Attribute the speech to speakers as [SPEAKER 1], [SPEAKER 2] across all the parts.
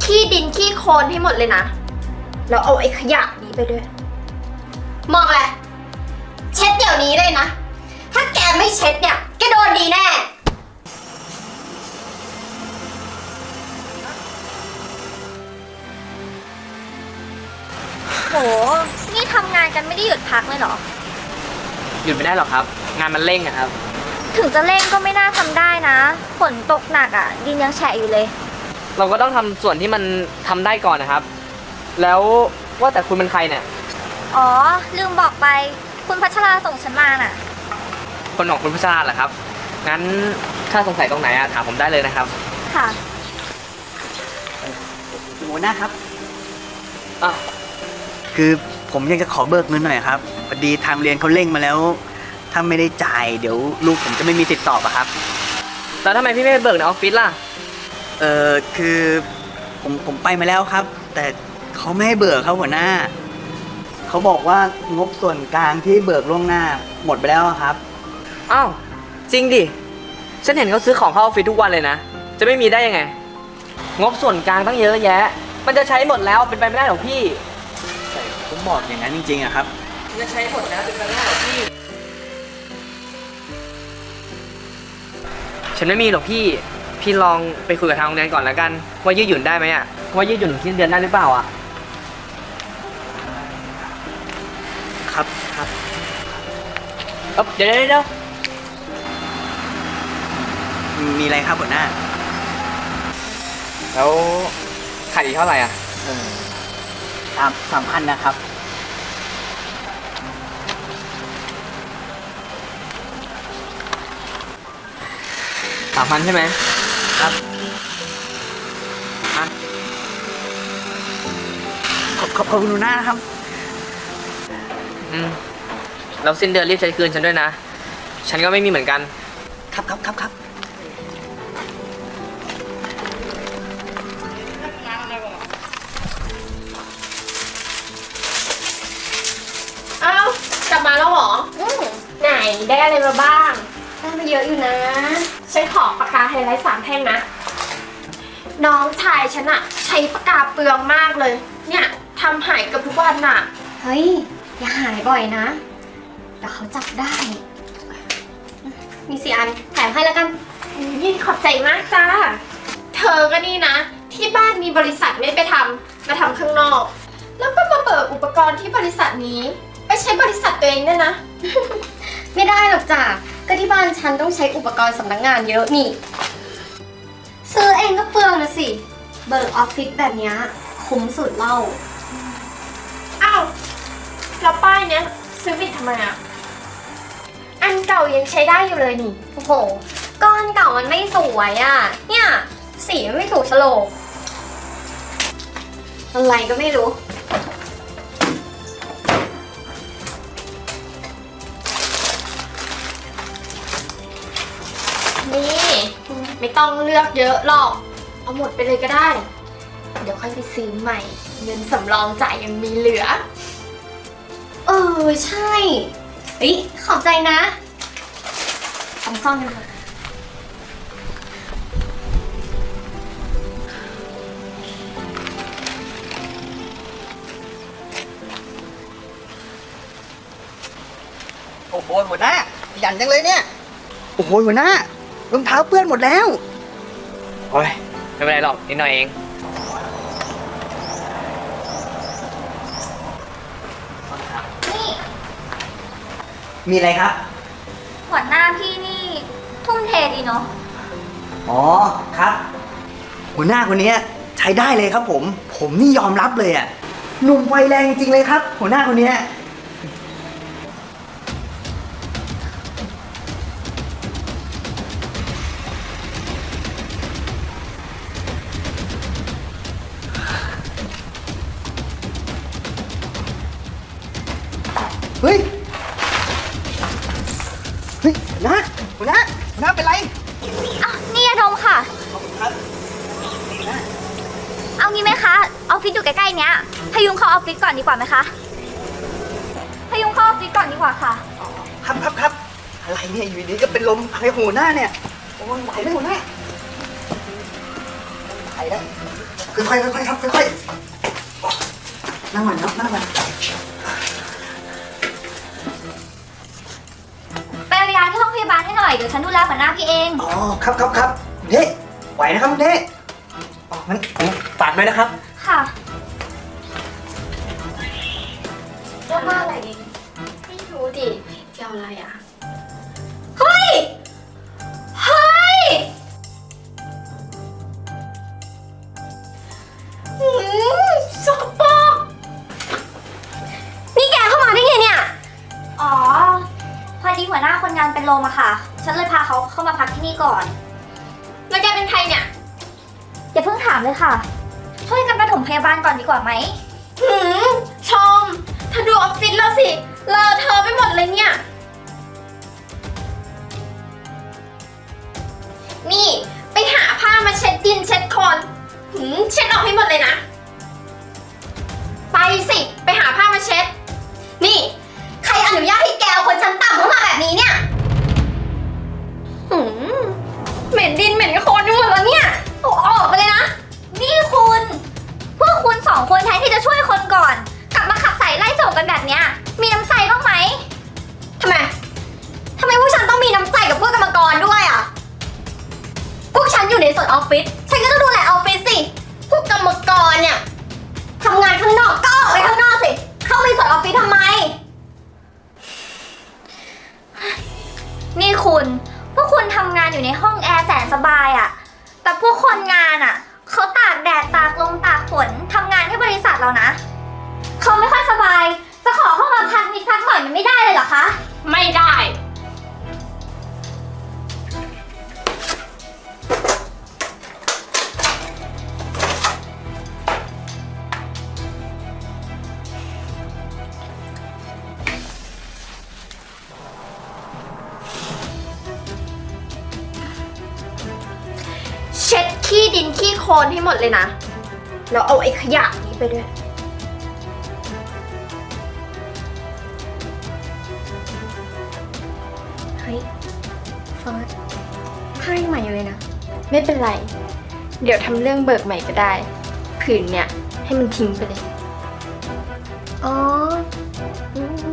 [SPEAKER 1] ขี้ดินขี้โคลนให้หมดเลยนะแล้วเอาไอ้ขยะนี้ไปด้วยมองอะไรเช็ดเดี๋ยวนี้เลยนะถ้าแกไม่เช็ดเนี่ยแกโดนดีแน่โหนี่ทำงานกันไม่ได้หยุดพักเลยเหรอ
[SPEAKER 2] หยุดไม่ได้หรอกครับงานมันเร่งอะครับ
[SPEAKER 1] ถึงจะเร่งก็ไม่น่าทำได้นะฝนตกหนักอ่ะดินยังแฉะอยู่เลย
[SPEAKER 2] เราก็ต้องทำส่วนที่มันทำได้ก่อนนะครับแล้วว่าแต่คุณเป็นใครเนี่ย
[SPEAKER 1] อ๋อลืมบอกไปคุณพัชราส่งฉันมาน่ะ
[SPEAKER 2] คนของคุณพัชราเหรอครับงั้นถ้าสงสัยตรงไหนอะถามผมได้เลยนะครับ
[SPEAKER 1] ค่ะ
[SPEAKER 3] หัวหน้าครับ
[SPEAKER 2] อ่ะ
[SPEAKER 3] คือผมยังจะขอเบิกเงินหน่อยครับพอดีทางเรียนเขาเร่งมาแล้วถ้าไม่ได้จ่ายเดี๋ยวลูกผมจะไม่มีติดต่ออะครับ
[SPEAKER 2] แล้วทำไมพี่ไม่ไปเบิกในออฟฟิศล่ะ
[SPEAKER 3] คือผมไปมาแล้วครับ แต่เขาไม่ให้เบิกครับหัวหน้าเขาบอกว่างบส่วนกลางที่เบิกล่วงหน้าหมดไปแล้วครับ
[SPEAKER 2] อ้าวจริงดิฉันเห็นเขาซื้อของเข้าออฟฟิศทุกวันเลยนะจะไม่มีได้ยังไงงบส่วนกลางตั้งเยอะแยะมันจะใช้หมดแล้วเป็นไปไม่ได้หรอกพี่
[SPEAKER 3] แต่ผมบอกอย่างนั้นจริงๆอะครับ
[SPEAKER 2] จะใช้หมดแล้วเป็นไปไม่ได้หรอกพี่ฉันไม่มีหรอกพี่ลองไปคุยกับทางโรงเรียนก่อนแล้วกันว่ายืดหยุ่นได้ไหมอะว่ายืดหยุ่นถึงสิ้นเดือนได้หรือเปล่าอะ
[SPEAKER 3] ครับ
[SPEAKER 2] เดี๋ยว
[SPEAKER 3] มีอะไรครับหัวหน้า
[SPEAKER 2] แล้วขายอีกเท่าไหร่อ่ะ
[SPEAKER 3] 3,000นะครับ
[SPEAKER 2] 3,000ใช่ไหม
[SPEAKER 3] ครับขอบคุณหัวหน้านะครับ
[SPEAKER 2] แล้วสิ้นเดือนรีบใช้คืนฉันด้วยนะฉันก็ไม่มีเหมือนกัน
[SPEAKER 3] ครับ
[SPEAKER 1] อ้าวกลับมาแล้วเหรอไหนได้อะไรมาบ้างได้มาเยอะอยู่นะฉันขอปากกาไฮไลท์3 แท่งนะน้องชายฉันอะใช้ปากกาเปลืองมากเลยเนี่ยทำหายกับทุกวันอะเฮ้ยอย่าหายบ่อยนะเดี๋ยวเขาจับได้มี4 อันแถมให้แล้วกันยิ่งขอบใจมากจ้าเธอก็นี่นะที่บ้านมีบริษัทไม่ไปทำมาทำข้างนอกแล้วก็มาเบิกอุปกรณ์ที่บริษัทนี้ไปใช้บริษัทตัวเองเนี่ยนะ ไม่ได้หรอกจ้ะก็ที่บ้านฉันต้องใช้อุปกรณ์สำนักงานเยอะนี่ซื้อเองก็เปลืองนะสิเบิกออฟฟิศแบบนี้คุ้มสุดเล่าอ้าวแล้วป้ายเนี้ยซื้อผิดทำไมอะอันเก่ายังใช้ได้อยู่เลยนี่โอ้โหก้อนเก่ามันไม่สวยอะเนี่ยสีมันไม่ถูกโฉลกอะไรก็ไม่รู้นี่ไม่ต้องเลือกเยอะหรอกเอาหมดไปเลยก็ได้เดี๋ยวค่อยไปซื้อใหม่เงินสำรองจ่ายยังมีเหลือใช่เฮ้ยขอบใจนะต้องซ่อนกันเลย
[SPEAKER 3] โอ้โหหัวหน้าหยันจังเลยเนี่ยโอ้โหหัวหน้ารองเท้าเปื้อนหมดแล้ว
[SPEAKER 2] โอ้ยไม่เป็นไรหรอกนิดหน่อยเอง
[SPEAKER 1] นี่
[SPEAKER 3] มีอะไรครับ
[SPEAKER 1] หัวหน้าพี่นี่ทุ่มเทดีเนาะ
[SPEAKER 3] อ๋อครับหัวหน้าคนนี้ใช้ได้เลยครับผมนี่ยอมรับเลยอ่ะหนุ่มไฟแรงจริงเลยครับหัวหน้าคนนี้เฮ้ยหัวหน้าเป็นไร
[SPEAKER 1] นี่ยาดมค่ะเอางี้ไหมคะออฟฟิศอยู่ใกล้ๆเนี้ยพยุงเข้าออฟฟิศก่อนดีกว่าไหมคะพยุงเข้าออฟฟิศก่อนดีกว่าค่ะ
[SPEAKER 3] ครับอะไรเนี่ยอยู่ดีก็เป็นลมอะไรหัวหน้าเนี่ยโอ้ยไหวไหมหัวหน้าไหวแล้วค่อยๆค่อยๆครับค่อยๆนั่งก่อนครับนั่งก่อน
[SPEAKER 4] ไปเอายาที่ห้องพยาบาลให้หน่อย เดี๋ยวฉันดูแลหัวหน้าพี่เอง
[SPEAKER 3] อ๋อครับเด้ไหวนะครับเด้อ๋องั้นผมฝากด้วยนะครับ
[SPEAKER 4] ค่ะ
[SPEAKER 1] เรื่องว่าอะไรดีไม่รู้ดิจะเอาอะไรอ่ะ
[SPEAKER 4] เฮ้ย เฮ้ย
[SPEAKER 1] สกปรกนี่แกเข้ามาได้ไงเนี่ย
[SPEAKER 4] อ๋อ พอดีหัวหน้าคนงานเป็นลมอะค่ะ ฉันเลยพาเขาเข้ามาพักที่นี่ก่อน
[SPEAKER 1] แล้วแกเป็นใครเนี่ย
[SPEAKER 4] อย่าเพิ่งถามเลยค่ะ ช่วยกันปฐมพยาบาลก่อนดีกว่าไหม
[SPEAKER 1] หืมชมเธอดูออฟฟิศเราสิเลอะเธอะไปหมดเลยเนี่ย นี่ไปหาผ้ามาเช็ดดินเช็ดโคลนเช็ดออกให้หมดเลยนะ ไปสิไปหาผ้ามาเช็ด นี่ ใครอนุญาตให้แกเอาคนชั้นต่ำเข้ามาแบบนี้เนี่ยหืมเหม็นดินเหม็นโคลนไปหมดแล้วเนี่ยเอาออกไปเลยนะ
[SPEAKER 4] นี่คุณ พวกคุณสองคนแทนที่จะช่วยคนก่อน กลับมาขับใส่ไล่ส่งกันแบบเนี้ย มีน้ำใจบ้างไหม
[SPEAKER 1] ทำไมพวกฉันต้องมีน้ำใจกับพวกกรรมกรด้วยอ่ะ พวกฉันอยู่ในส่วนออฟฟิศ ฉันก็ต้องดูแลออฟฟิศสิ พวกกรรมกรเนี่ยทำงานข้างนอกก็ออกไปข้างนอกสิ เข้าไปส่วนออฟฟิศทำไม
[SPEAKER 4] นี่คุณพวกคุณทำงานอยู่ในห้องแอร์แสนสบายอะแต่พวกคนงานอะเขาตากแดดตากลมตากฝนทำงานให้บริษัทเรานะเขาไม่ค่อยสบาย จะขอเข้ามาพักนิดพักหน่อยมันไม่ได้เลยเหรอคะ
[SPEAKER 1] ไม่ได้ เช็ดขี้ดินขี้โคลนให้หมดเลยนะ แล้วเอาไอ้ขยะนี้ไปด้วย เฮ้ยเฟิร์สผ้ายังใหม่อยู่เลยนะ ไม่เป็นไร เดี๋ยวทำเรื่องเบิกใหม่ก็ได้ ผืนเนี่ยให้มันทิ้งไปเลย อ๋ออืม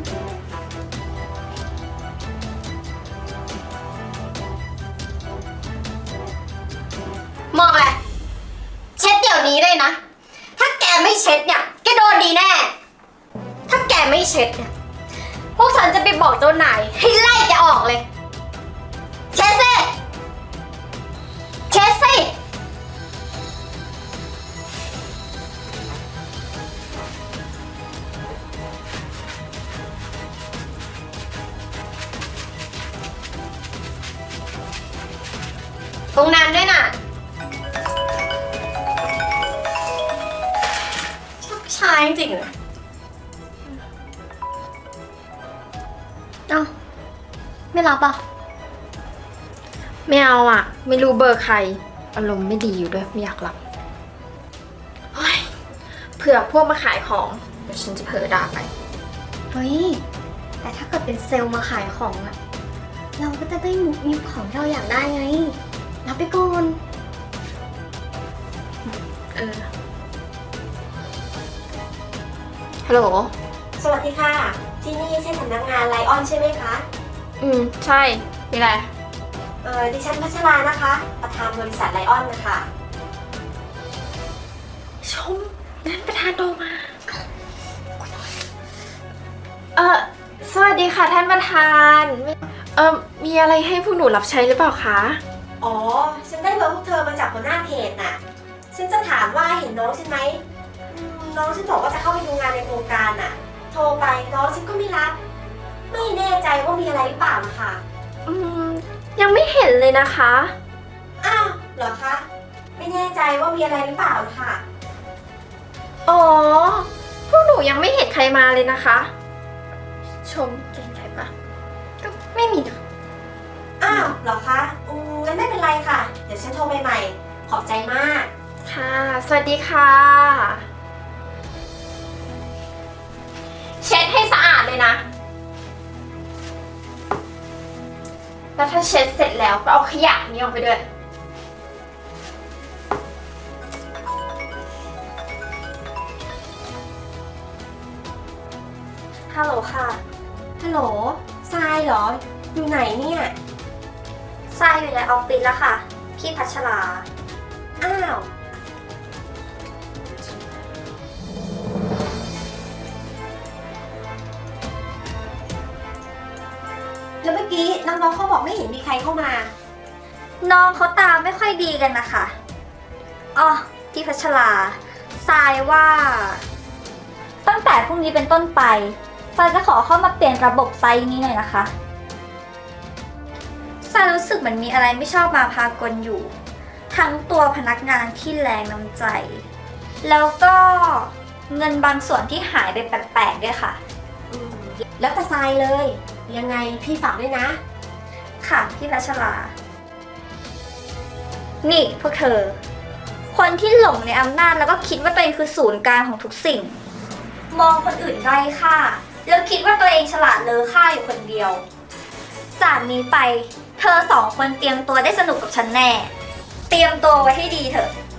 [SPEAKER 1] มองอะไรเช็ดเดี๋ยวนี้เลยนะ ถ้าแกไม่เช็ดเนี่ยแกโดนดีแน่ ถ้าแกไม่เช็ดเนี่ย พวกฉันจะไปบอกเจ้านายให้ไล่แกออกเลย เช็ดสิ เช็ดสิ ตรงนั้นด้วยน่ะชักช้าจริงๆเลยเอ้าไม่รับอ่ะ ไม่เอาอ่ะ ไม่รู้เบอร์ใคร อารมณ์ไม่ดีอยู่ด้วย ไม่อยากรับเฮ้ยเผื่อพวกมาขายของ เดี๋ยวฉันจะเผลอด่าไป เฮ้ย แต่ถ้าเกิดเป็นเซลล์มาขายของอะเราก็จะได้มุกมิบของที่เราอยากได้ไง รับไปก่อน ฮัลโหล
[SPEAKER 5] สวัสดีค่ะ ที่นี่ใช่สำนักงานไลออนใช่ไหมคะ
[SPEAKER 1] ใช่ มีอะไร
[SPEAKER 5] ดิฉันพัชรานะคะ ประธานบริษัทไลออนนะคะ
[SPEAKER 1] ชมนั่นประธานโทรมา สวัสดีค่ะท่านประธาน มีอะไรให้พวกหนูรับใช้หรือเปล่าคะ
[SPEAKER 5] อ๋อ ฉันได้เบอร์พวกเธอมาจากหัวหน้าเขตน่ะ ฉันจะถามว่าเห็นน้องฉันไหมน้องฉันบอกว่าจะเข้าไปดูงานในโครงการน่ะ โทรไปน้องฉันก็ไม่รับ ไม่แน่ใจว่ามีอะไรหรือเปล่านะคะ
[SPEAKER 1] ยังไม่เห็นเลยนะคะ
[SPEAKER 5] อ้าวเหรอคะ ไม่แน่ใจว่ามีอะไรหรือเปล่านะคะ
[SPEAKER 1] อ๋อ พวกหนูยังไม่เห็นใครมาเลยนะคะ ชมเก่งใครปะก็ไม่มีนะ
[SPEAKER 5] อ้าวเหรอคะงั้นไม่เป็นไรค่ะ เดี๋ยวฉันโทรไปใหม่ ขอบใจมาก
[SPEAKER 1] ค่ะ สวัสดีค่ะ เช็ดให้สะอาดเลยนะ แล้วถ้าเช็ดเสร็จแล้วก็เอาขยะนี้ออกไปด้วย
[SPEAKER 4] ฮัลโหลค่ะ
[SPEAKER 5] ฮัลโหลทรายเหรอ อยู่ไหนเนี่ย
[SPEAKER 4] ทรายอยู่ในออฟฟิศแล้วค่ะ พี่พัชรา
[SPEAKER 5] อ้าว แล้วเมื่อกี้น้องๆเขาบอกไม่เห็นมีใครเข้ามา
[SPEAKER 4] น้องเขาตาไม่ค่อยดีกันนะคะอ๋อพี่พัชราทรายว่า ตั้งแต่พรุ่งนี้เป็นต้นไปทรายจะขอเข้ามาเปลี่ยนระบบไซต์นี้หน่อยนะคะทรายรู้สึกเหมือนมีอะไรไม่ชอบมาพากลอยู่ ทั้งตัวพนักงานที่แรงน้ำใจ แล้วก็เงินบางส่วนที่หายไปแปลกๆด้วยค่ะ
[SPEAKER 5] แล้วแต่ทรายเลย ยังไงพี่ฝากด้วยนะ
[SPEAKER 4] ค่ะพี่พัชรา นี่พวกเธอ คนที่หลงในอำนาจแล้วก็คิดว่าตัวเองคือศูนย์กลางของทุกสิ่ง มองคนอื่นไร้ค่าแล้วคิดว่าตัวเองฉลาดเลอค่าอยู่คนเดียว จากนี้ไปเธอสองคนเตรียมตัวได้สนุกกับฉันแน่ เตรียมตัวไว้ให้ดีเถอะ